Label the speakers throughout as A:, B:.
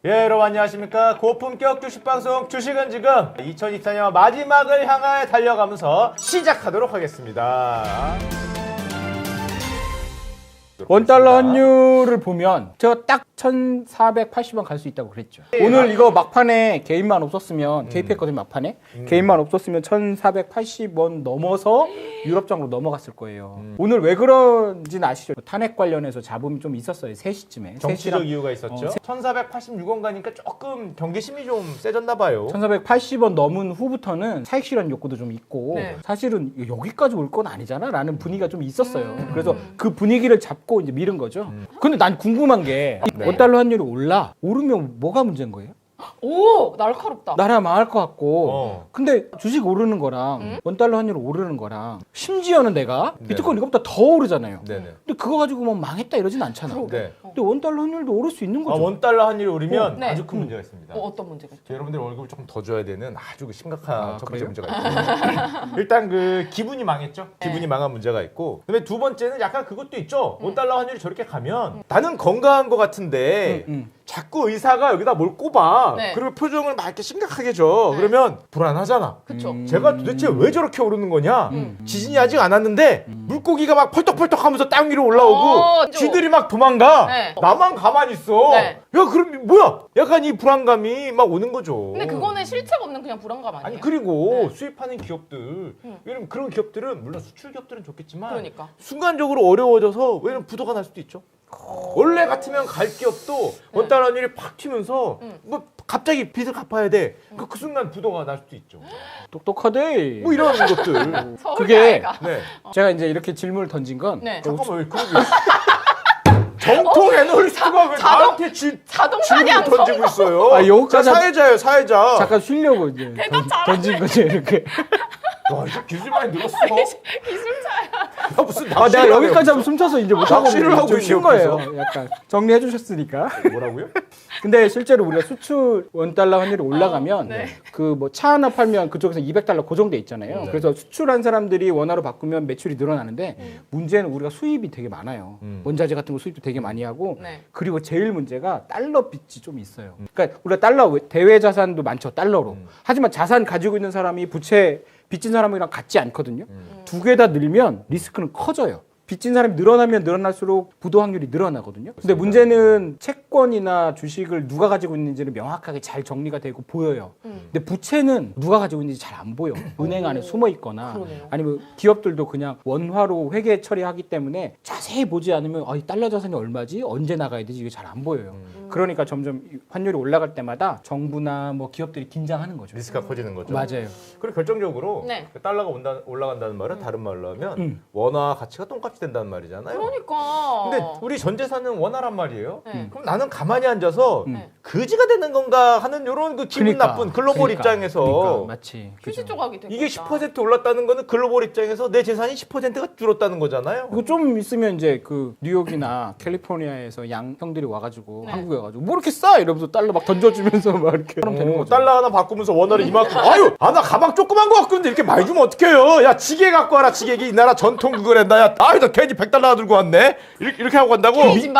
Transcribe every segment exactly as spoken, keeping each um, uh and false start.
A: 예, 여러분 안녕하십니까. 고품격 주식방송 주식은 지금 이천이십사 년 마지막을 향하여 달려가면서 시작하도록 하겠습니다.
B: 원달러 환율을 보면 제가 딱 천사백팔십 원 갈 수 있다고 그랬죠.
A: 예,
B: 오늘
A: 맞...
B: 이거 막판에 개인만 없었으면
A: 음.
B: 개입했거든요. 막판에
A: 음.
B: 개인만 없었으면 천사백팔십 원 넘어서 유럽장으로 넘어갔을 거예요.
A: 음.
B: 오늘 왜 그런지는 아시죠? 탄핵 관련해서 잡음이 좀 있었어요. 세 시쯤에
A: 정치적
B: 세 시랑...
A: 이유가 있었죠.
B: 어, 세...
A: 천사백팔십육 원 가니까 조금 경계심이 좀 세졌나 봐요.
B: 천사백팔십 원 넘은 후부터는 차익 실현 욕구도 좀 있고
C: 네.
B: 사실은 여기까지 올 건 아니잖아 라는 분위기가 좀 있었어요.
C: 음.
B: 그래서 그 분위기를 잡고 이제 밀은 거죠.
A: 음.
B: 근데 난 궁금한 게
A: 네.
B: 원달러 환율이 올라 오르면 뭐가 문제인 거예요?
C: 오, 날카롭다.
B: 나라 망할 것 같고
A: 어.
B: 근데 주식 오르는 거랑
C: 음?
B: 원달러 환율 오르는 거랑 심지어는 내가
A: 네.
B: 비트코인 이거보다 더 오르잖아요.
A: 네네.
B: 근데 그거 가지고 뭐 망했다 이러진 않잖아.
C: 그러게.
A: 네.
B: 근데 원달러 환율도 오를 수 있는
A: 아,
B: 거죠.
A: 원달러 환율이 오르면
C: 어, 네.
A: 아주 큰 문제가 있습니다.
C: 어, 어떤 문제가 있죠?
A: 여러분들 월급을 조금 더 줘야 되는 아주 심각한
B: 아,
A: 첫 번째
B: 그래요?
A: 문제가 있고 일단 그 기분이 망했죠. 기분이
C: 네.
A: 망한 문제가 있고 그다음에 두 번째는 약간 그것도 있죠. 원달러 환율이 저렇게 가면 나는 건강한 것 같은데
B: 음, 음.
A: 자꾸 의사가 여기다 뭘 꼽아.
C: 네.
A: 그리고 표정을 막 이렇게 심각하게 줘.
C: 네.
A: 그러면 불안하잖아.
C: 그쵸.
B: 음.
A: 제가 도대체 왜 저렇게 오르는 거냐?
B: 음.
A: 지진이 아직 안 왔는데 물고기가 막 펄떡펄떡 하면서 땅 위로 올라오고
C: 어,
A: 쥐들이 막 도망가.
C: 네.
A: 나만 가만히 있어.
C: 네.
A: 야, 그럼 뭐야? 약간 이 불안감이 막 오는 거죠.
C: 근데 그거는 실체가 없는 그냥 불안감 아니에요?
A: 아니 그리고
C: 네.
A: 수입하는 기업들
C: 음.
A: 왜냐면 그런 기업들은 물론 수출 기업들은 좋겠지만
C: 그러니까.
A: 순간적으로 어려워져서 왜냐면 부도가 날 수도 있죠. 원래 같으면 갈 기업도 원달러 환율이 팍 튀면서
C: 음.
A: 뭐 갑자기 빚을 갚아야 돼. 그, 그 순간 부도가 날 수도 있죠.
B: 똑똑하대.
A: 뭐 이런 것들.
C: 서울
B: 그게-
C: 아이가.
A: 네.
B: 제가 이제 이렇게 질문을 던진 건
C: 네.
A: 잠깐만 왜 그러게? 정통 애널리스트가 왜
C: 자동-
A: 나한테 질,
C: 자동
A: 질문을
C: 사냥
A: 던지고 있어요?
B: 아, 여기까지
A: 자, 사회자예요, 사회자.
B: 잠깐 쉬려고 이제 던, 던진 거죠 이렇게.
A: 와, 이제 기술 많이 늘었어.
C: 기술자야.
A: 야, 무슨
B: 아 내가
A: 낚시를
B: 여기까지
A: 하고
B: 하면 숨차서 이제 못하고
A: 낚시를 하고
B: 좀 쉰
A: 있네요,
B: 거예요. 약간 정리해 주셨으니까.
A: 있어. 뭐라고요?
B: 근데 실제로 우리가 수출 원달러 환율이 올라가면
C: 어, 네.
B: 그 뭐 차 하나 팔면 그쪽에서 이백 달러 고정돼 있잖아요.
A: 네.
B: 그래서 수출한 사람들이 원화로 바꾸면 매출이 늘어나는데
C: 음.
B: 문제는 우리가 수입이 되게 많아요.
A: 음.
B: 원자재 같은 거 수입도 되게 많이 하고
C: 네.
B: 그리고 제일 문제가 달러 빚이 좀 있어요. 그러니까 우리가 달러 대외 자산도 많죠. 달러로.
A: 음.
B: 하지만 자산 가지고 있는 사람이 부채 빚진 사람이랑 같지 않거든요.
A: 음.
B: 두 개 다 늘면 리스크는 커져요. 빚진 사람이 늘어나면 늘어날수록 부도 확률이 늘어나거든요. 근데 문제는 채권이나 주식을 누가 가지고 있는지는 명확하게 잘 정리가 되고 보여요.
C: 음.
B: 근데 부채는 누가 가지고 있는지 잘 안 보여. 은행 안에 숨어 있거나
C: 그러네요.
B: 아니면 기업들도 그냥 원화로 회계 처리하기 때문에 자세히 보지 않으면 아, 이 달러 자산이 얼마지? 언제 나가야 되지? 이게 잘 안 보여요.
A: 음.
B: 그러니까 점점 환율이 올라갈 때마다 정부나 뭐 기업들이 긴장하는 거죠.
A: 리스크가 커지는 거죠.
B: 맞아요.
A: 그리고 결정적으로
C: 네.
A: 그 달러가 온다, 올라간다는 말은 다른 말로 하면
B: 음.
A: 원화 가치가 똥값이 된다는 말이잖아요.
C: 그러니까.
A: 근데 우리 전 재산은 원화란 말이에요.
C: 네.
A: 그럼 나는 가만히 앉아서
B: 음.
C: 네.
A: 거지가 되는 건가 하는 이런 그 기분
B: 그러니까,
A: 나쁜 글로벌
B: 그러니까,
A: 입장에서
B: 그러니까, 마치
C: 휴지 조각이 되고
A: 이게
C: 있다.
A: 십 퍼센트 올랐다는 거는 글로벌 입장에서 내 재산이 십 퍼센트가 줄었다는 거잖아요.
B: 이거 좀 있으면 이제 그 뉴욕이나 캘리포니아에서 양 형들이 와가지고
C: 네.
B: 한국에 와가지고 뭐 이렇게 싸 이러면서 달러 막 던져주면서 막 이렇게 하면 되는
A: 어,
B: 거죠.
A: 달러 하나 바꾸면서 원화를 이만큼 아유 아 나 가방 조그만 거 갖고 있는데 이렇게 많이 주면 어떡해요. 야 지게 갖고 와라 지게 이 나라 전통 그거란다. 야 아유 나 괜히 백 달러 들고 왔네. 이렇게, 이렇게 하고 간다고.
C: 케이진바.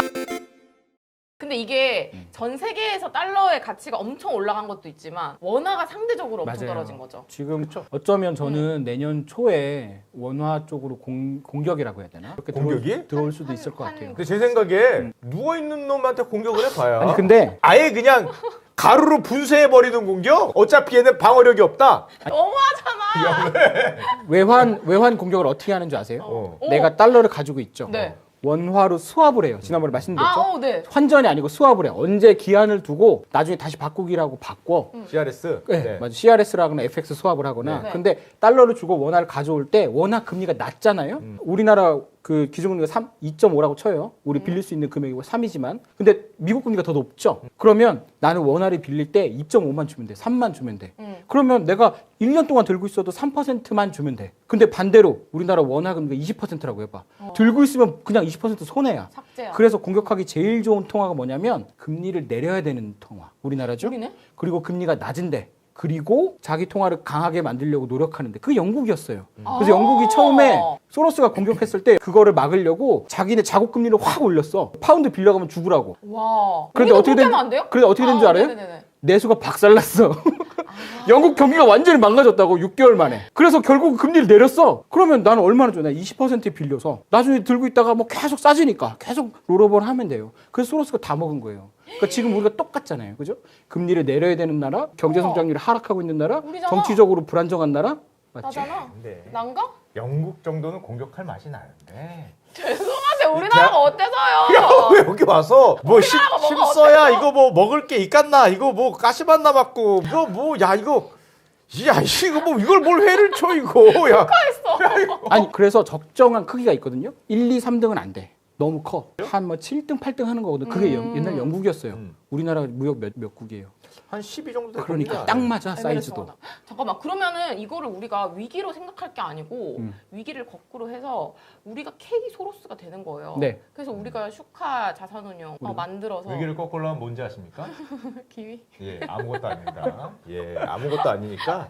C: 근데 이게 전 세계에서 달러의 가치가 엄청 올라간 것도 있지만 원화가 상대적으로 엄청
B: 맞아요.
C: 떨어진 거죠.
B: 지금 어쩌면 저는
C: 음.
B: 내년 초에 원화 쪽으로 공, 공격이라고 해야 되나? 그렇게
A: 공격이?
B: 들어올, 들어올 수도
C: 한-
B: 있을 것
C: 한-
B: 같아요.
A: 근데 제 생각에 누워 있는 놈한테 공격을 해봐야.
B: 아니 근데
A: 아예 그냥 가루로 분쇄해 버리는 공격. 어차피 얘는 방어력이 없다.
C: 너무하잖아.
B: 외환 외환 공격을 어떻게 하는 줄 아세요?
A: 어.
C: 어.
B: 내가 달러를 가지고 있죠.
C: 네.
B: 원화로 수합을 해요. 지난번에 말씀드렸죠.
C: 아, 어, 네.
B: 환전이 아니고 수합을 해. 언제 기한을 두고 나중에 다시 바꾸기라고 바꿔.
A: 씨알에스.
B: 네, 맞아. 씨알에스라거나 에프엑스 수합을 하거나.
C: 네.
B: 근데 달러를 주고 원화를 가져올 때 원화 금리가 낮잖아요.
A: 음.
B: 우리나라 그 기준금리가 삼, 이 점 오라고 쳐요. 우리 빌릴 수 있는 금액이 삼이지만. 근데 미국 금리가 더 높죠. 그러면 나는 원화를 빌릴 때 이 점 오만 주면 돼. 삼만 주면 돼.
C: 음.
B: 그러면 내가 일 년 동안 들고 있어도 삼 퍼센트만 주면 돼. 근데 반대로 우리나라 원화 금리가 이십 퍼센트라고 해봐.
C: 어.
B: 들고 있으면 그냥 이십 퍼센트 손해야.
C: 삭제야.
B: 그래서 공격하기 제일 좋은 통화가 뭐냐면 금리를 내려야 되는 통화. 우리나라죠.
C: 우리네?
B: 그리고 금리가 낮은데 그리고 자기 통화를 강하게 만들려고 노력하는데 그게 영국이었어요. 그래서
C: 아.
B: 영국이 처음에 소로스가 공격했을 때 그거를 막으려고 자기네 자국 금리를 확 올렸어. 파운드 빌려가면 죽으라고.
C: 와.
B: 그런데
C: 우리도
B: 어떻게
C: 그렇게
B: 된-
C: 하면 안 돼요?
B: 그런데 어떻게 된 줄
C: 아,
B: 알아요?
C: 네네네.
B: 내수가 박살났어. 영국 경기가 완전히 망가졌다고 육 개월 만에. 그래서 결국 금리를 내렸어. 그러면 나는 얼마나 줘? 나 이십 퍼센트 빌려서 나중에 들고 있다가 뭐 계속 싸지니까 계속 롤오버를 하면 돼요. 그래서 소로스가 다 먹은 거예요. 그러니까 지금 우리가 똑같잖아요. 그죠? 금리를 내려야 되는 나라, 경제 성장률이 하락하고 있는 나라,
C: 우리잖아.
B: 정치적으로 불안정한 나라. 맞지?
C: 나잖아.
A: 근데
C: 난가?
A: 영국 정도는 공격할 맛이 나는데.
C: 죄송한데 우리나라가
A: 야,
C: 어때서요?
A: 왜 여기 와서 뭐 십,
C: 우리나라가 뭐가
A: 십서야
C: 어때서?
A: 이거 뭐 먹을 게 있겠나 이거 뭐 가시만 남았고 이거 뭐 야 이거 야 이거 뭐 이걸 뭘 회를 쳐 이거 야
B: 아니 그래서 적정한 크기가 있거든요. 일, 이, 삼 등은 안 돼. 너무 커. 한 뭐 칠 등, 팔 등 하는 거거든. 그게 영-
C: 음.
B: 옛날 영국이었어요.
A: 음.
B: 우리나라 무역 몇, 몇 국이에요.
A: 한 십이 정도 될
B: 그러니까
A: 겁니다.
B: 딱 맞아
C: 에메레이트
B: 사이즈도.
C: 하나. 잠깐만 그러면은 이거를 우리가 위기로 생각할 게 아니고
B: 음.
C: 위기를 거꾸로 해서 우리가 K 소로스가 되는 거예요.
B: 네.
C: 그래서 우리가 슈카 자산운용 어, 만들어서
A: 위기를 거꾸로 하면 뭔지 아십니까?
C: 기위.
A: 예 아무것도 아닙니다. 예 아무것도 아니니까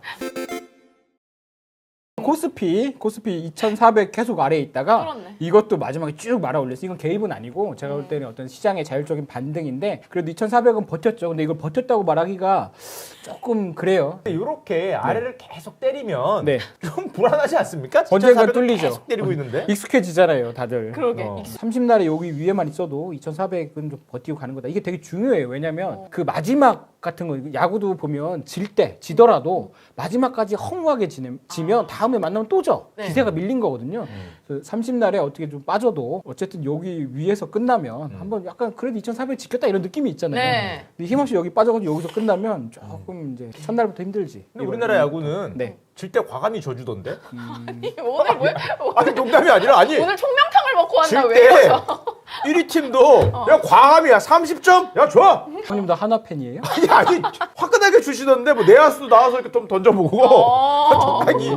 B: 코스피, 코스피 이천사백 계속 아래에 있다가
C: 그렇네.
B: 이것도 마지막에 쭉 말아 올렸어. 이건 개입은 아니고 제가 볼 때는 어떤 시장의 자율적인 반등인데 그래도 이천사백은 버텼죠. 근데 이걸 버텼다고 말하기가 조금 그래요.
A: 이렇게 아래를 계속 때리면
B: 네.
A: 좀 불안하지 않습니까?
B: 언젠간
A: 이천사백을
B: 뚫리죠.
A: 계속 때리고 있는데
B: 익숙해지잖아요, 다들.
C: 그러게.
A: 어.
C: 익숙-
B: 삼십 날에 여기 위에만 있어도 이천사백은 좀 버티고 가는 거다. 이게 되게 중요해요. 왜냐면
C: 어.
B: 그 마지막 같은 거 야구도 보면 질 때 지더라도 마지막까지 허무하게 지면, 지면 다음에 만나면 또 져.
C: 네.
B: 기세가 밀린 거거든요.
A: 음.
B: 그래서 삼십 날에 어떻게 좀 빠져도 어쨌든 여기 위에서 끝나면
A: 음.
B: 한번 약간 그래도 이천사백 지켰다 이런 느낌이 있잖아요.
C: 네.
B: 근데 힘없이 여기 빠져가지고 여기서 끝나면 조금 이제 첫날부터 힘들지.
A: 근데 우리나라 야구는
B: 네.
A: 질 때 과감히 져주던데?
C: 오늘 왜
A: 아니 농담이 아니라 아니
C: 오늘 총명탕을 먹고
A: 질
C: 왔나 왜?
A: 때
C: 이러죠?
A: 일 위 팀도 야 과감이야 삼십 점? 야 좋아!
B: 형님도 하나 팬이에요?
A: 아니 아니 화끈하게 주시던데 뭐 내야수도 나와서 이렇게 좀 던져보고
C: 어.
A: 적당히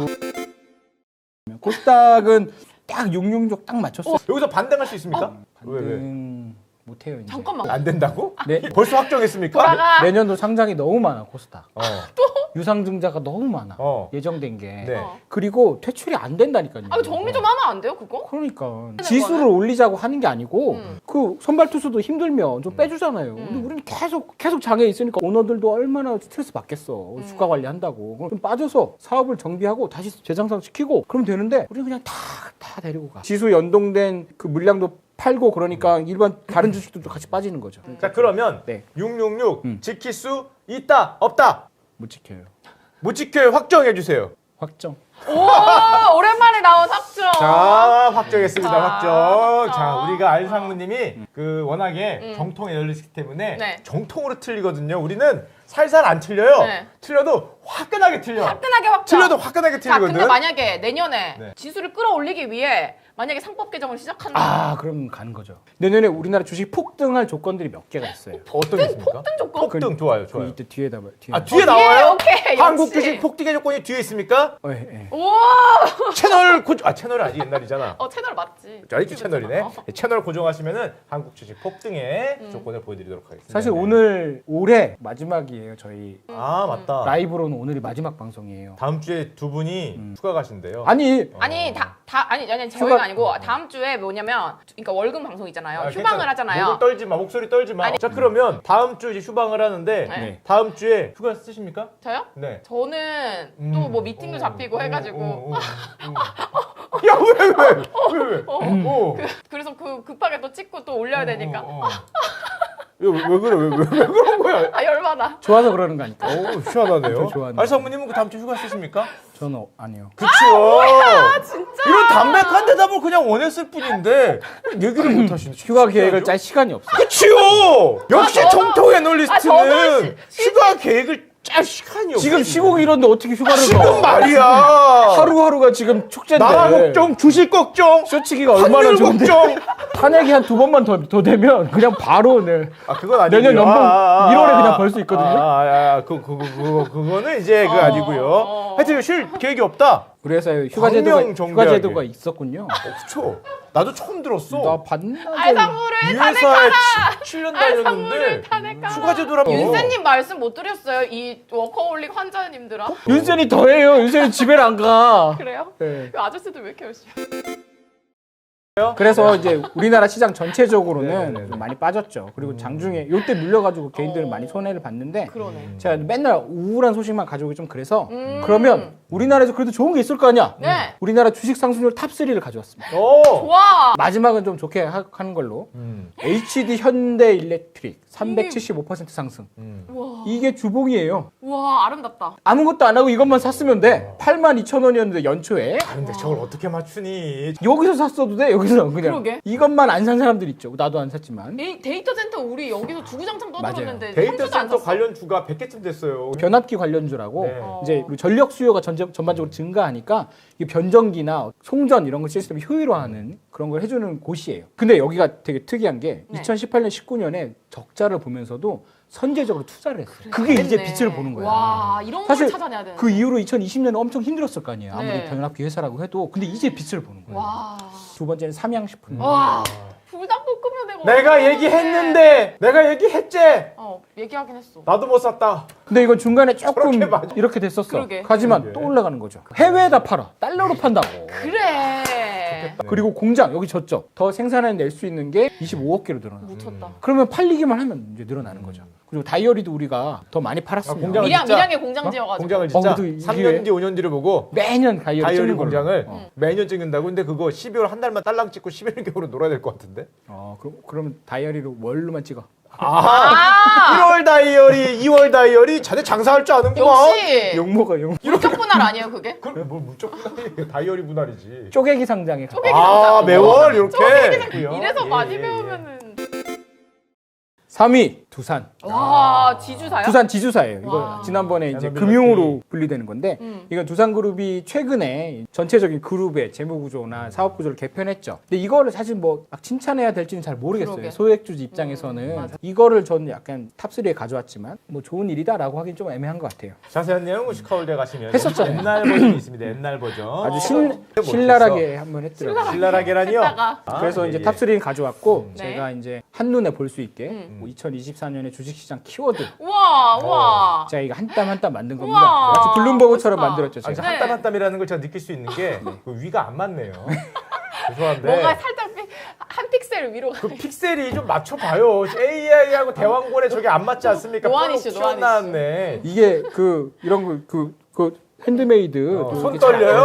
B: 코스닥은 딱 육육육 딱 맞췄어.
A: 여기서 반등할 수 있습니까? 왜 왜?
B: 반등 못해요 이제.
C: 잠깐만.
A: 안 된다고?
B: 네.
A: 벌써 확정했습니까?
C: 돌아가.
B: 내년도 상장이 너무 많아 코스닥.
A: 어.
B: 유상증자가 너무 많아.
A: 어.
B: 예정된 게.
A: 네.
C: 어.
B: 그리고 퇴출이 안 된다니까요.
C: 아, 정리 좀 하면 안 돼요, 그거?
B: 그러니까 지수를 올리자고 하는 게 아니고
C: 음.
B: 그 선발 투수도 힘들면 좀 빼주잖아요.
C: 음.
B: 근데 우리는 계속 계속 장애 있으니까 오너들도 얼마나 스트레스 받겠어.
C: 음.
B: 주가 관리한다고. 그럼 좀 빠져서 사업을 정비하고 다시 재정상 시키고 그러면 되는데 우리는 그냥 다 다 데리고 가. 지수 연동된 그 물량도 팔고 그러니까 일반 다른 주식들도 같이 빠지는 거죠.
A: 자 그러면
B: 네.
A: 육육육
B: 음.
A: 지킬 수 있다 없다
B: 못 지켜요.
A: 못 지켜요 확정해 주세요.
B: 확정.
C: 오, 오랜만에 나온 확정.
A: 자 확정했습니다.
C: 자,
A: 확정. 자
C: 확정.
A: 우리가 알상무님이 그 워낙에
C: 음.
A: 정통에 열리기 때문에
C: 네.
A: 정통으로 틀리거든요. 우리는 살살 안 틀려요.
C: 네.
A: 틀려도 화끈하게 틀려.
C: 화끈하게 확정.
A: 틀려도 화끈하게
C: 자,
A: 틀리거든.
C: 근데 만약에 내년에
A: 네.
C: 지수를 끌어올리기 위해 만약에 상법 개정을 시작한다.
B: 아 그럼 가는 거죠. 내년에 우리나라 주식 폭등할 조건들이 몇 개가 있어요.
A: 어떤 게 있습니까?
C: 폭등 조건?
A: 폭등 좋아요,
B: 그
A: 좋아요.
B: 이때 뒤에다 말. 뒤에.
A: 아 뒤에
C: 어,
A: 나와요?
C: 오케이.
A: 한국
C: 역시.
A: 주식 폭등의 조건이 뒤에 있습니까?
B: 어, 예, 예.
C: 우와.
A: 채널 고정. 아 채널은 아직 옛날이잖아.
C: 어, 채널 맞지.
A: 아직도 채널이네.
C: 어.
A: 채널 고정하시면은 한국 주식 폭등의
C: 음.
A: 조건을 보여드리도록 하겠습니다.
B: 사실
A: 네.
B: 오늘 올해 마지막이에요. 저희
A: 아 맞다.
B: 라이브로는 오늘이 마지막 방송이에요.
A: 다음 주에 두 분이
B: 음.
A: 휴가 가신대요.
B: 아니
C: 아니 다, 다 아니 아니 저희가
B: 휴가-
C: 아니고 다음 주에 뭐냐면 그러니까 월급 방송 있잖아요.
A: 아,
C: 휴방을
A: 괜찮아.
C: 하잖아요.
A: 목을 떨지 마. 목소리 떨지 마.
C: 아니-
A: 자 그러면 다음 주 이제 휴방을 하는데
C: 네.
B: 네.
A: 다음 주에 휴가 쓰십니까?
C: 저요?
A: 네.
C: 저는
A: 음.
C: 또 뭐 미팅도
A: 어,
C: 잡히고
A: 어,
C: 해가지고
A: 어, 어, 어. 야 왜 왜? 왜 왜? 어.
C: 그래서 그 급하게 또 찍고 또 올려야 되니까
A: 어, 어, 어. 왜, 왜 그래? 왜, 왜, 왜 그런 거야?
C: 아 열받아.
B: 좋아서 그러는 거 아닐까?
A: 어우 시원하네요.
B: 저 좋아하네.
A: 알사부님은 그 다음 주 휴가 쓰십니까?
B: 저는 어, 아니요.
A: 그치요.
C: 진짜.
A: 이런 담백한 대답을 그냥 원했을 뿐인데 얘기를 못 하시네.
B: 휴가 계획을 짤 시간이 없어요.
A: 그치요. 역시
C: 아, 저도-
A: 정통
C: 아,
A: 애널리스트는
C: 저도 시-
A: 휴가 계획을 짤 시간이 없어.
B: 지금 쉬고 이런데 어떻게 휴가를
A: 지금
B: 가?
A: 말이야.
B: 하루하루가 지금 축제인데.
A: 나라 걱정, 주식 걱정,
B: 쇼치기가 얼마나
A: 환율
B: 좋은데.
A: 걱정.
B: 탄핵이 한 두 번만 더, 더 되면 그냥 바로 네.
A: 아 그건 아니고요.
B: 내년 연봉
A: 아, 아, 아,
B: 일월에 그냥 벌 수 있거든요.
A: 아, 아, 아, 그, 그, 그, 그거, 그거는 이제 그
C: 어,
A: 아니고요.
C: 어.
A: 하여튼 쉴 계획이 없다.
B: 그래서 휴가제도가
A: 광명 정비하게.
B: 휴가제도가 있었군요.
A: 어, 그쵸. 나도 처음 들었어.
B: 나 봤나?
C: 알상무를
A: 이
C: 탄핵
A: 회사에 칠 년
C: 알상무를
A: 다녔는데
C: 탄핵하라.
A: 휴가제도라고.
C: 윤세님 말씀 못 드렸어요. 이 워커홀릭 환자님들아.
B: 윤선이 더해요. 윤선이 집에 안 가.
C: 그래요?
B: 네.
C: 이 아저씨들 왜 이렇게 열심히
B: 그래서 이제 우리나라 시장 전체적으로는
A: 네네네.
B: 좀 많이 빠졌죠. 그리고 장중에 요때 밀려가지고 개인들은
C: 어.
B: 많이 손해를 봤는데
C: 그러네.
B: 제가 맨날 우울한 소식만 가져오기 좀 그래서
C: 음.
B: 그러면 우리나라에서 그래도 좋은 게 있을 거 아니야.
C: 네.
B: 우리나라 주식 상승률 탑삼을 가져왔습니다.
A: 오.
C: 좋아.
B: 마지막은 좀 좋게 하- 하는 걸로
A: 음,
B: 에이치디 현대일렉트릭 삼백칠십오 퍼센트 상승.
A: 음.
C: 우와.
B: 이게 주봉이에요.
C: 우와 아름답다.
B: 아무것도 안 하고 이것만 샀으면 돼. 팔만 이천 원이었는데 연초에
A: 아, 근데 저걸 어떻게 맞추니?
B: 여기서 샀어도 돼. 여기서 그냥
C: 그러게.
B: 이것만 안 산 사람들 있죠. 나도 안 샀지만.
C: 이 데이터 센터 우리 여기서 주구장창 떠들었는데
A: 데이터
C: 한 주도 안
A: 센터
C: 샀어.
A: 관련 주가 백 개쯤 됐어요.
B: 변압기 관련주라고
A: 네.
C: 어.
B: 이제 우리 전력 수요가 전적, 전반적으로 증가하니까 이 변전기나 송전 이런 거 시스템을 효율화하는 그런 걸 해주는 곳이에요. 근데 여기가 되게 특이한 게
C: 네.
B: 이천십팔 년, 십구 년에 적자를 보면서도 선제적으로 투자를 했어요. 그게 이제
C: 그랬네.
B: 빛을 보는 거야.
C: 와 이런 걸
B: 사실
C: 찾아내야 되는.
B: 그 이후로 이천이십 년에 엄청 힘들었을 거 아니에요. 아무리
C: 네.
B: 변압기 회사라고 해도. 근데 이제 빛을 보는 거예요.
C: 와.
B: 두 번째는 삼양식품.
C: 와. 불닭볶음면 내가.
A: 내가
C: 어떻게
A: 얘기했는데, 내가 얘기했지.
C: 어 얘기하긴 했어.
A: 나도 못 샀다.
B: 근데 이건 중간에 조금
A: 저렇게 많이-
B: 이렇게 됐었어.
C: 그러게.
B: 하지만
A: 그러게.
B: 또 올라가는 거죠. 해외에다 팔아. 달러로 판다고.
C: 그래.
B: 그리고 공장 여기 졌죠. 더 생산해 낼 수 있는 게 이십오억 개로 늘어나.
C: 묻혔다.
B: 그러면 팔리기만 하면 이제 늘어나는 거죠. 그리고 다이어리도 우리가 더 많이 팔았습니다.
A: 아, 공장을
C: 밀양
A: 진짜-
C: 밀양에 공장 지어가지고.
A: 공장을 진짜
B: 어, 그래도 이게-
A: 삼 년 뒤, 오 년 뒤를 보고
B: 매년 다이어리,
A: 다이어리
B: 찍는 걸로.
A: 공장을
B: 어.
A: 매년 찍는다고. 근데 그거 십이월 한 달만 딸랑 찍고 십일 개월로 놀아야 될 것 같은데.
B: 어, 그럼 그러면 다이어리로 월로만 찍어.
A: 아, 일월 다이어리, 이월 다이어리, 자네 장사할 줄 아는구만.
C: 역시
B: 용모가 용.
C: 물적 분할 아니에요 그게?
A: 그럼 뭘 물적 분할이 다이어리 분할이지.
B: 쪼개기 상장에. 가-
A: 아, 매월 이렇게.
C: 이래서
A: 예,
C: 많이
A: 예, 예.
C: 배우면은.
B: 삼 위 두산.
C: 와 지주사요?
B: 두산 지주사예요. 이거
C: 와.
B: 지난번에 이제
A: 야노빌라티.
B: 금융으로 분리되는 건데
C: 음.
B: 이건 두산그룹이 최근에 전체적인 그룹의 재무구조나 사업구조를 개편했죠. 근데 이거를 사실 뭐 막 칭찬해야 될지는 잘 모르겠어요.
C: 그러게.
B: 소액주주 입장에서는
C: 음, 맞아.
B: 이거를 저는 약간 탑삼에 가져왔지만 뭐 좋은 일이다라고 하긴 좀 애매한 것 같아요.
A: 자세한 내용은 슈카월드에 가시면
B: 했었잖아요.
A: 옛날 버전이 있습니다. 옛날 버전.
B: 아주
A: 어,
B: 신,
A: 못했어.
B: 신랄하게 한번 했더라고요.
A: 신랄하게라니요.
C: 했다가.
A: 아,
B: 그래서
A: 예,
B: 이제
A: 예.
B: 탑삼을 가져왔고
C: 네.
B: 제가 이제 한눈에 볼 수 있게
C: 음.
B: 뭐 이천이십사 년에 주식시장 키워드
C: 우와 우와.
B: 제가 이거 한 땀 한 땀 만든 겁니다.
C: 우와,
B: 마치 블룸버그처럼
C: 멋있다.
B: 만들었죠.
A: 아니,
B: 제가.
C: 네.
A: 한 땀 한 땀이라는 걸 제가 느낄 수 있는 게 그 위가 안 맞네요. 죄송한데.
C: 뭐가 살짝 삐- 한 픽셀 위로 가.
A: 그 픽셀이 좀 맞춰봐요. 에이아이하고 대왕권에 저게 안 맞지 않습니까?
C: 노안 이슈,
A: 쭉
C: 노안
A: 튀어나왔네.
B: 이게 그 이런 거 그 그 핸드메이드
A: 어,
B: 이렇게
A: 손 떨려요?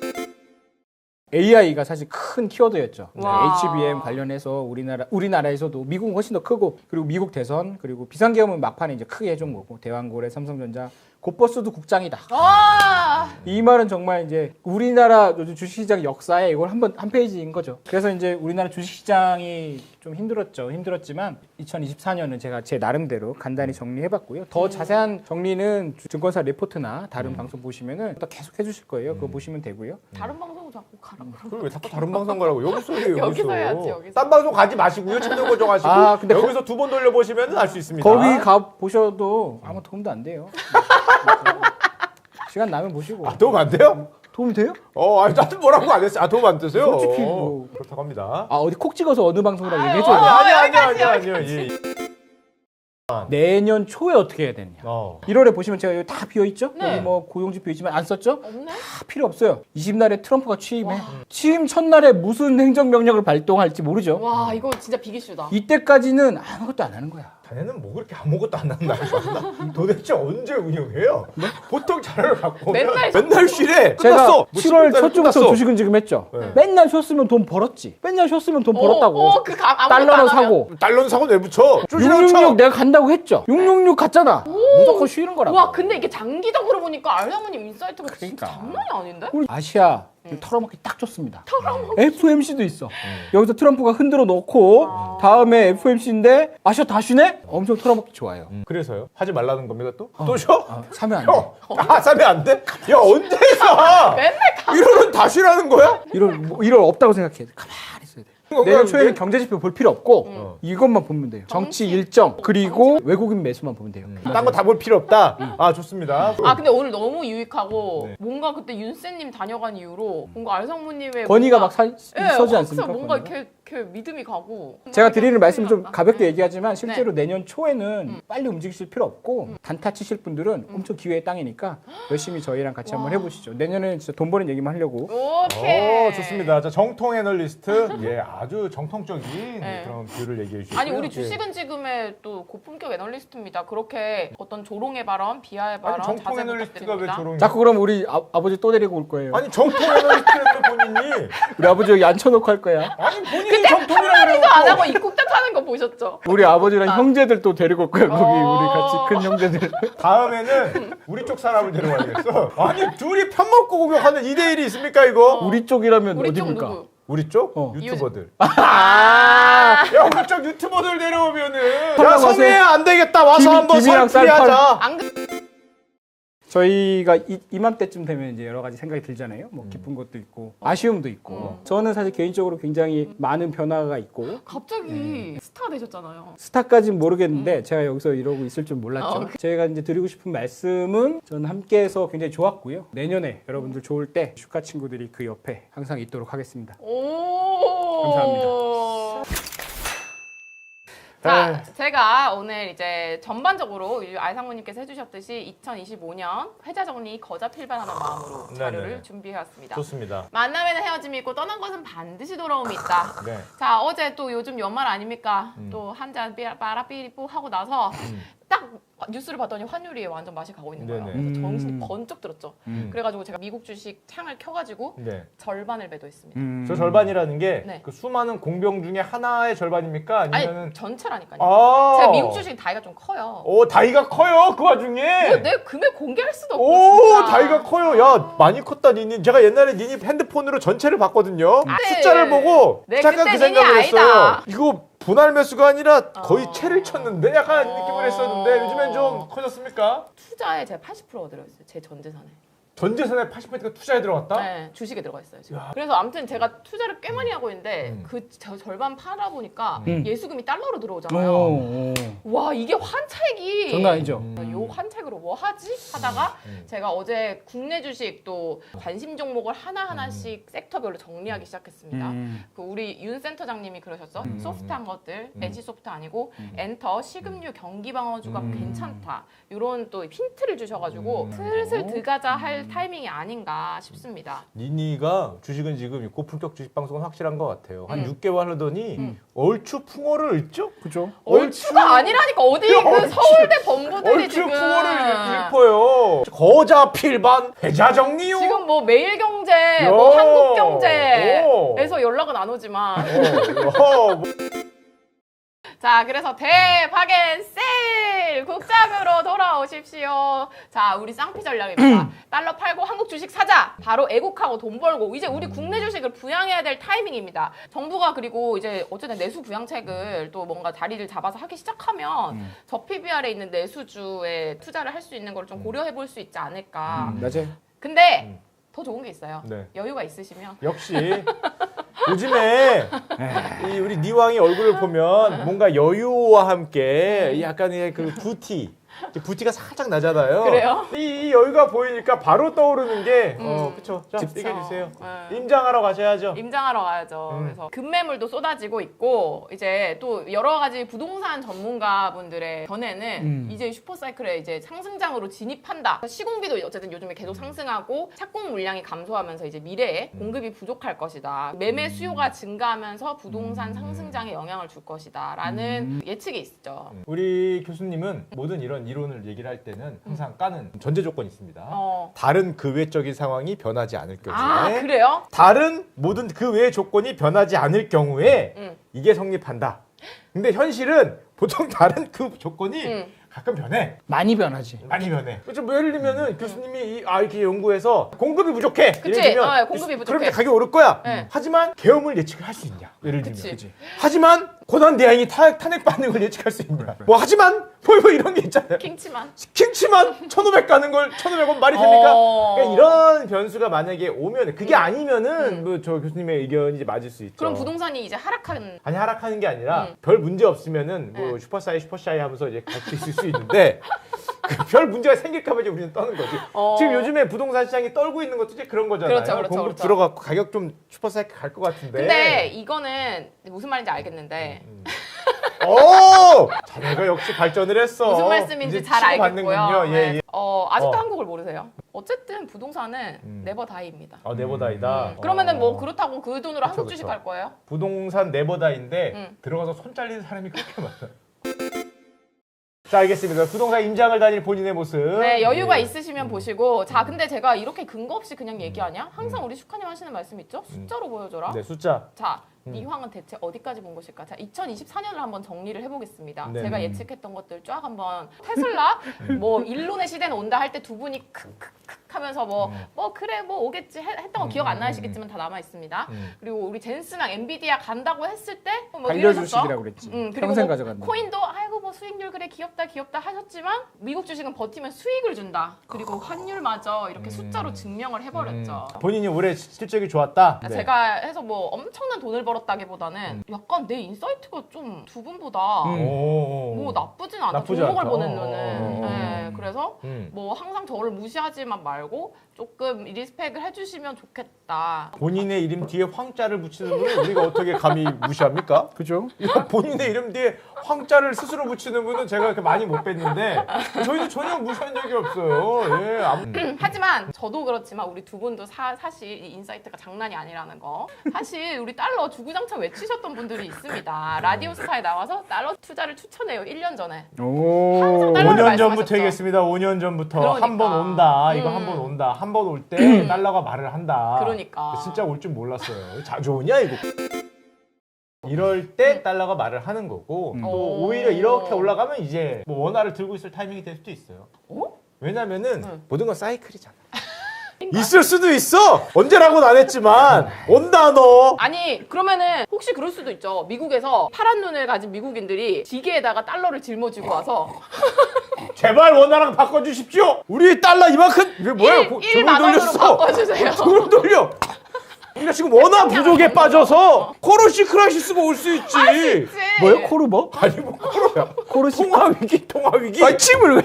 B: 에이아이가 사실 큰 키워드였죠.
C: 와.
B: 에이치비엠 관련해서 우리나라 우리나라에서도 미국은 훨씬 더 크고 그리고 미국 대선 그리고 비상계엄은 막판에 이제 크게 해준 거고 대왕고래 삼성전자 곧버스도 국장이다.
C: 와.
B: 이 말은 정말 이제 우리나라 주식시장 역사에 이걸 한번 한 페이지인 거죠. 그래서 이제 우리나라 주식시장이 좀 힘들었죠. 힘들었지만 이천이십사 년은 제가 제 나름대로 간단히 정리해봤고요. 더 자세한 정리는 주- 증권사 레포트나 다른
A: 음.
B: 방송 보시면은 또 계속 해주실 거예요. 그거 보시면 되고요.
C: 다른 방송 자꾸 가라.
A: 그걸 왜 자꾸 다른 방송 가라고? 여기서 해요, 여기서.
C: 여기서 해야지, 여기서.
A: 딴 방송 가지 마시고요. 채널 고정하시고.
B: 아, 근데
A: 여기서 두 번 돌려보시면 알 수 있습니다.
B: 거기 가 보셔도 아무 도움도 안 돼요. 시간 나면 보시고.
A: 아, 도움 안 돼요?
B: 도움 돼요?
A: 어, 아니, 나도 뭐라고 안 했어요. 아, 도움 안 되세요?
B: 솔직히
A: 어,
B: 뭐.
A: 그렇다고 합니다.
B: 아 어디 콕 찍어서 어느 방송이라고
C: 아유,
B: 얘기해줘요.
A: 아니, 아니, 아니,
C: 여기까지,
A: 아니, 아니, 아니. 예.
B: 내년 초에 어떻게 해야 되느냐.
A: 어.
B: 일월에 보시면 제가 여기 다 비어 있죠.
C: 네.
B: 여기 뭐 고용지표 있지만 안 썼죠?
C: 없네?
B: 다 필요 없어요. 이십 날에 트럼프가 취임해. 취임 첫날에 무슨 행정명령을 발동할지 모르죠.
C: 와 이거 진짜 비기슈다.
B: 이때까지는 아무것도 안 하는 거야.
A: 자네는 뭐 그렇게 아무것도 안 한다는 거야? 도대체 언제 운영해요? 보통 자료를 갖고 오면
C: 맨날
A: 맨날 쉬래.
B: 제가
A: 끝났어. 뭐
B: 칠월
A: 십일 달에
B: 첫 주부터
A: 끝났어.
B: 주식은 지금 했죠.
A: 네.
B: 맨날 쉬었으면 돈 벌었지. 맨날 쉬었으면 돈 벌었다고.
C: 어, 어, 그 가, 아무것도
B: 달러는
C: 안 하면.
B: 사고.
A: 달러는 사고 왜 붙여?
B: 육육육 내가 간다고 했죠. 육육육 갔잖아. 무조건 쉬는 거라고.
C: 와 근데 이게 장기적으로 보니까 알사모님 인사이트가 진짜
B: 그러니까.
C: 장난이 아닌데?
B: 우리 아시아 털어먹기 딱 좋습니다. 에프엠씨도 있어. 여기서 트럼프가 흔들어 놓고
C: 아.
B: 다음에 에프엠씨인데 아시아 다 쉬네? 엄청 털어먹기 좋아요.
A: 음, 그래서요? 하지 말라는 겁니까 또? 또 쉬어?
B: 아, 사면 안 돼.
A: 형! 아, 사면 안 돼? 야, 언제 사?
C: 맨날 가.
A: 일월은 다 쉬라는 거야?
B: 이럴 뭐, 이럴 없다고 생각해. 가만히 있어야 돼. 내년 초에는 경제 지표 볼 필요 없고
C: 음.
B: 이것만 보면 돼요. 정치,
C: 정치.
B: 일정 그리고 외국인 매수만 보면 돼요.
A: 딴 거 다 볼 필요 없다. 아 좋습니다.
C: 아 근데 오늘 너무 유익하고
A: 네.
C: 뭔가 그때 윤쌤님 다녀간 이후로 뭔가 알상무님의
B: 권위가
C: 뭔가-
B: 막 사,
C: 예,
B: 서지
C: 확
B: 않습니까?
C: 뭔가
B: 권위가?
C: 이렇게, 이렇게 믿음이 가고
B: 제가 드리는 말씀 좀
C: 큰일 났다.
B: 가볍게
C: 음.
B: 얘기하지만 실제로 내년 초에는 빨리 움직이실 필요 없고
C: 음.
B: 단타 치실 분들은 엄청 기회의 땅이니까 열심히 저희랑 같이 한번
C: 와.
B: 해보시죠. 내년에는 진짜 돈 버는 얘기만 하려고.
C: 오케이
A: 오 좋습니다. 자 정통 애널리스트 예 아주 정통적인
C: 네.
A: 그런 뷰를 얘기해 주시고요.
C: 아니 우리
A: 예.
C: 주식은 지금의 또 고품격 애널리스트입니다. 그렇게 어떤 조롱의 발언, 비하의 발언
A: 아니 정통
C: 자제
A: 애널리스트가 왜
C: 부탁드립니다.
A: 저런?
B: 자꾸 그럼 우리 아, 아버지 또 데리고 올 거예요.
A: 아니 정통 애널리스트를 본인이
B: 우리 아버지 여기 앉혀놓고 할 거야.
A: 아니 본인이 정통이라고
C: 한마디도 안 하고 입국딱 하는 거 보셨죠?
B: 우리 아버지랑
C: 아.
B: 형제들 또 데리고 올 거야. 거기
C: 어.
B: 우리 같이 큰 형제들.
A: 다음에는 우리 쪽 사람을 데려와야겠어. 아니 둘이 편먹고 공격하는 이 대 일이 있습니까 이거?
B: 우리 쪽이라면
C: 우리 쪽
B: 어디입니까?
C: 누구?
A: 우리 쪽
B: 어.
A: 유튜버들.
C: 아,
A: 야 우리 쪽 유튜버들 데려오면은 야
B: 한번
A: 성혜야 안 되겠다 와서
B: 김-
A: 한번
B: 김이랑
A: 설풀이하자.
C: 안 그...
B: 저희가 이, 이맘때쯤 되면 이제 여러 가지 생각이 들잖아요. 뭐 기쁜 것도 있고 아쉬움도 있고.
C: 음.
B: 저는 사실 개인적으로 굉장히 많은 변화가 있고
C: 갑자기 스타 되셨잖아요.
B: 스타까지는 모르겠는데 제가 여기서 이러고 있을 줄 몰랐죠.
C: 어,
B: 제가 이제 드리고 싶은 말씀은 저는 함께해서 굉장히 좋았고요. 내년에 여러분들 좋을 때 슈카 친구들이 그 옆에 항상 있도록 하겠습니다.
C: 오.
B: 감사합니다.
C: 자, 제가 오늘 이제 전반적으로 알상무님께서 해주셨듯이 이천이십오 년 회자 정리 거자 필반하는 마음으로
A: 네네.
C: 자료를 준비해왔습니다.
A: 좋습니다.
C: 만남에는 헤어짐이 있고 떠난 것은 반드시 돌아옴이 있다.
A: 네.
C: 자, 어제 또 요즘 연말 아닙니까?
A: 음.
C: 또 한 잔 빠라삐리뽀 하고 나서 딱 뉴스를 봤더니 환율이 완전 맛이 가고 있는 거예요.
A: 네네.
C: 그래서 정신이
B: 음.
C: 번쩍 들었죠.
A: 음.
C: 그래가지고 제가 미국 주식 창을 켜가지고
A: 네.
C: 절반을 매도했습니다.
B: 음.
A: 저 절반이라는 게
C: 네.
A: 그 수많은 공병 중에 하나의 절반입니까? 아니면은
C: 아니 전체라니까요.
A: 아.
C: 제가 미국 주식 다이가 좀 커요.
A: 오 다이가 커요 그 와중에.
C: 뭐 내 금액 공개할 수도 없고
A: 오
C: 진짜.
A: 다이가 커요. 야 많이 컸다 니니. 제가 옛날에 니니 핸드폰으로 전체를 봤거든요.
C: 아,
A: 숫자를
C: 네.
A: 보고
C: 네,
A: 잠깐
C: 그때
A: 그 생각을
C: 니니
A: 했어요.
C: 아니다.
A: 이거 분할 매수가 아니라 거의
C: 어.
A: 채를 쳤는데 약간
C: 어.
A: 느낌을 했었는데 요즘엔 좀 커졌습니까?
C: 투자에 제가 팔십 퍼센트가 들어있어요. 제 전 재산에.
A: 전 재산의 팔십 퍼센트가 투자에 들어갔다?
C: 네, 주식에 들어가 있어요. 지금. 그래서 아무튼 제가 투자를 꽤 많이 하고 있는데
A: 음.
C: 그 저 절반 팔아 보니까
B: 음.
C: 예수금이 달러로
B: 오,
C: 들어오잖아요.
B: 오.
C: 와 이게 환차익이
B: 장난 아니죠.
A: 음.
C: 요 환책으로 뭐 하지 하다가
A: 음.
C: 제가 어제 국내 주식 또 관심 종목을 하나 하나씩 섹터별로 정리하기 시작했습니다.
B: 음.
C: 그 우리 윤 센터장님이 그러셨어.
A: 음.
C: 소프트한 것들,
A: 음.
C: 엔씨 소프트 아니고 엔터, 식음료, 경기 방어주가
A: 음.
C: 괜찮다. 이런 또 힌트를 주셔가지고
A: 음.
C: 슬슬 들어가자 할 타이밍이 아닌가 싶습니다.
A: 니니가 주식은 지금 고품격 주식 방송은 확실한 것 같아요. 한
C: 음.
A: 육 개월 하더니
C: 음.
A: 얼추 풍어를 읽죠?
B: 그죠?
C: 얼추가 아니라니까 어디 그
A: 얼추.
C: 서울대 본부들이
A: 얼추
C: 지금
A: 풍어를 읽- 읽어요. 거자 필반 회자 정리요.
C: 지금 뭐 매일경제,
A: 야.
C: 뭐 한국경제에서
A: 오.
C: 연락은 안 오지만
A: 어, 어, 뭐.
C: 자 그래서 대박엔 세일 국장으로 돌아오십시오. 자 우리 쌍피 전략입니다. 달러 팔고 한국 주식 사자. 바로 애국하고 돈 벌고 이제 우리 국내 주식을 부양해야 될 타이밍입니다. 정부가 그리고 이제 어쨌든 내수 부양책을 또 뭔가 자리를 잡아서 하기 시작하면
B: 음.
C: 저 피비알에 있는 내수주에 투자를 할 수 있는 걸 좀 고려해 볼 수 있지 않을까.
A: 음.
B: 맞아요.
C: 근데
A: 음.
C: 더 좋은 게 있어요.
A: 네.
C: 여유가 있으시면
A: 역시 요즘에 이 우리 니왕이 얼굴을 보면 뭔가 여유와 함께 이 약간의 그 부티 이제 부티가 살짝 나잖아요.
C: 그래요?
A: 이, 이 여유가 보이니까 바로 떠오르는 게 어,
C: 음.
A: 그쵸. 자,
C: 그쵸.
A: 얘기해 주세요.
C: 네.
A: 임장하러 가셔야죠.
C: 임장하러 가야죠.
A: 음.
C: 그래서 급매물도 쏟아지고 있고 이제 또 여러 가지 부동산 전문가분들의 전에는
B: 음.
C: 이제 슈퍼사이클에 이제 상승장으로 진입한다. 시공비도 어쨌든 요즘에 계속 상승하고 착공 물량이 감소하면서 이제 미래에
A: 음.
C: 공급이 부족할 것이다. 매매 수요가 증가하면서 부동산 상승장에 영향을 줄 것이다라는 예측이 있죠.
A: 음. 우리 교수님은 모든 이런 이론을 얘기를 할 때는 항상 까는 전제 조건이 있습니다.
C: 어.
A: 다른 그 외적인 상황이 변하지 않을 경우에
C: 아 그래요?
A: 다른 모든 그 외의 조건이 변하지 않을 경우에
C: 응.
A: 이게 성립한다. 근데 현실은 보통 다른 그 조건이
C: 응.
A: 가끔 변해.
B: 많이 변하지.
A: 많이 변해. 그렇죠. 뭐 예를 들면은 교수님이 이, 아 이렇게 연구해서 공급이 부족해.
C: 그치.
A: 예를 들면
C: 어, 공급이 부족해.
A: 그럼 이제 가격이 오를 거야.
C: 네.
A: 하지만 계엄을 예측을 할 수 있냐? 예를 들면.
C: 그치.
B: 그치.
A: 하지만 고난 대항이 탄핵, 탄핵받는 걸 예측할 수 있냐. 뭐 하지만 뭐, 뭐 이런 게 있잖아요.
C: 킹치만.
A: 킹치만 천오백 가는 걸 천오백 원 말이 됩니까?
C: 어.
A: 그러니까 이런 변수가 만약에 오면 그게
C: 음.
A: 아니면은
C: 음.
A: 뭐 저 교수님의 의견이 이제 맞을 수 있죠.
C: 그럼 부동산이 이제 하락한.
A: 아니 하락하는 게 아니라
C: 음.
A: 별 문제 없으면은 뭐
C: 네.
A: 슈퍼사이 슈퍼샤이 하면서 이제 같이 있을 수 있는데 그 별 문제가 생길까 봐 이제 우리는 떠는 거지.
C: 어.
A: 지금 요즘에 부동산 시장이 떨고 있는 것도 이제 그런 거잖아요.
C: 그렇죠, 그렇죠,
A: 공급
C: 그렇죠.
A: 들어가고 가격 좀 슈퍼사이 갈 것 같은데.
C: 근데 이거는 무슨 말인지 알겠는데
A: 음. 오! 자네가 역시 발전을 했어.
C: 무슨 말씀인지
A: 이제
C: 잘
A: 치고받는군요.
C: 알겠고요.
A: 예,
C: 네.
A: 예.
C: 어, 아직도
A: 어.
C: 한국을 모르세요. 어쨌든 부동산은
A: 음.
C: 네버다이입니다.
A: 아 네버다이다.
C: 음. 그러면은 뭐
A: 어.
C: 그렇다고 그 돈으로
A: 그쵸,
C: 한국 주식
A: 그쵸.
C: 갈 거예요?
A: 부동산 네버다인데
C: 음.
A: 들어가서 손 잘리는 사람이 그렇게 많아요. 자 알겠습니다. 부동산 임장을 다닐 본인의 모습.
C: 네, 여유가
A: 예.
C: 있으시면 보시고. 자, 근데 제가 이렇게 근거 없이 그냥 얘기하냐? 항상 우리 슈카님 하시는 말씀 있죠? 숫자로 보여줘라.
A: 네 숫자.
C: 자,
A: 음.
C: 이황은 대체 어디까지 본 것일까? 자, 이천이십사 년을 한번 정리를 해보겠습니다.
A: 네.
C: 제가 예측했던 것들 쫙 한번 테슬라 뭐 일론의 시대는 온다 할 때 두 분이 크크크 하면서 뭐 뭐 그래 뭐 오겠지 해- 했던 거 기억 안 나시겠지만 다 남아 있습니다.
A: 음.
C: 그리고 우리 젠스랑 엔비디아 간다고 했을 때뭐
B: 반려주식이라고 그랬지.
C: 음, 그리고
B: 평생
C: 뭐
B: 가져간다.
C: 코인도 아이고 뭐 수익률 그래 귀엽다 귀엽다 하셨지만 미국 주식은 버티면 수익을 준다. 그리고 환율마저 이렇게 숫자로 증명을 해버렸죠.
A: 음. 본인이 올해 시- 실적이 좋았다. 네.
C: 제가 해서 뭐 엄청난 돈을 벌었다기보다는 약간 내 인사이트가 좀 두 분보다
B: 음.
A: 오.
C: 뭐 나쁘진 않아.
A: 나쁘지
C: 종목을
A: 않다.
C: 보는
A: 어,
C: 눈은.
A: 어, 어.
C: 네, 그래서
A: 음.
C: 뭐 항상 저를 무시하지만 말고 조금 리스펙을 해주시면 좋겠다.
A: 본인의 이름 뒤에 황자를 붙이는 분을 우리가 어떻게 감히 무시합니까?
B: 그죠?
A: 이런 본인의 이름 뒤에 황자를 스스로 붙이는 분은 제가 그렇게 많이 못 뵀는데 저희는 전혀 무시한 적이 없어요. 예. 아무-
C: 하지만 저도 그렇지만 우리 두 분도 사, 사실 이 인사이트가 장난이 아니라는 거. 사실 우리 달러 주구장창 외치셨던 분들이 있습니다. 라디오스타에 나와서 달러 투자를 추천해요. 일 년 전에.
B: 오.
C: 달러를
A: 오 년 전부터
C: 말씀하셨죠.
A: 얘기했습니다. 오 년 전부터
C: 그러니까.
A: 한 번 온다. 이거
C: 음.
A: 한 번 온다. 한 번 올 때 달러가 말을 한다.
C: 그러니까.
A: 진짜 올 줄 몰랐어요. 자주 오냐 이거. 이럴 때 달러가 말을 하는 거고
B: 음.
A: 또
C: 오.
A: 오히려 이렇게 올라가면 이제 뭐 원화를 들고 있을 타이밍이 될 수도 있어요.
C: 어?
A: 왜냐면은
C: 응.
A: 모든 건 사이클이잖아. 있을 수도 있어. 언제라고는 안 했지만 온다 너.
C: 아니 그러면은 혹시 그럴 수도 있죠. 미국에서 파란 눈을 가진 미국인들이 지게에다가 달러를 짊어지고 와서
A: 제발 원화랑 바꿔주십시오. 우리 달러 이만큼 이게 뭐야? 고-
C: 일 만 원으로 바꿔주세요.
A: 돈을 돌려. 우리가 지금 원화 부족에 빠져서 코로시 크라이시스가 올 수 있지.
C: 있지.
B: 뭐요? 코르 뭐?
A: 아니 뭐 코로야.
B: 코르시.
A: 통화 위기, 통화 위기.
B: 아, 침을 왜?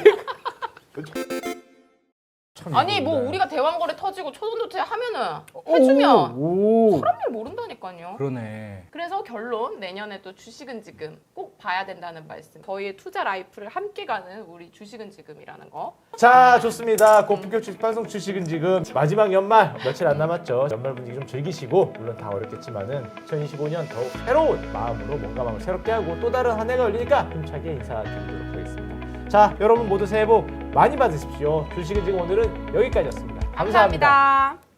A: 참
C: 아니 뭐
A: 이건데.
C: 우리가 대왕거래 터지고 초선도체 하면은 해주면
B: 오. 오.
C: 사람들 모른다니까요.
B: 그러네.
C: 그래서 결론 내년에도 주식은 지금 꼭 봐야 된다는 말씀. 저희의 투자 라이프를 함께 가는 우리 주식은 지금이라는 거.
A: 자 좋습니다. 고품격 주식 방송 주식은 지금 마지막 연말 며칠 안 남았죠. 연말 분위기 좀 즐기시고 물론 다 어렵겠지만은 이천이십오 년 더욱 새로운 마음으로 뭔가 마음을 새롭게 하고 또 다른 한 해가 열리니까 힘차게 인사드리도록 하겠습니다. 자 여러분 모두 새해 복 많이 받으십시오. 주식은 지금 오늘은 여기까지였습니다. 감사합니다.
C: 감사합니다.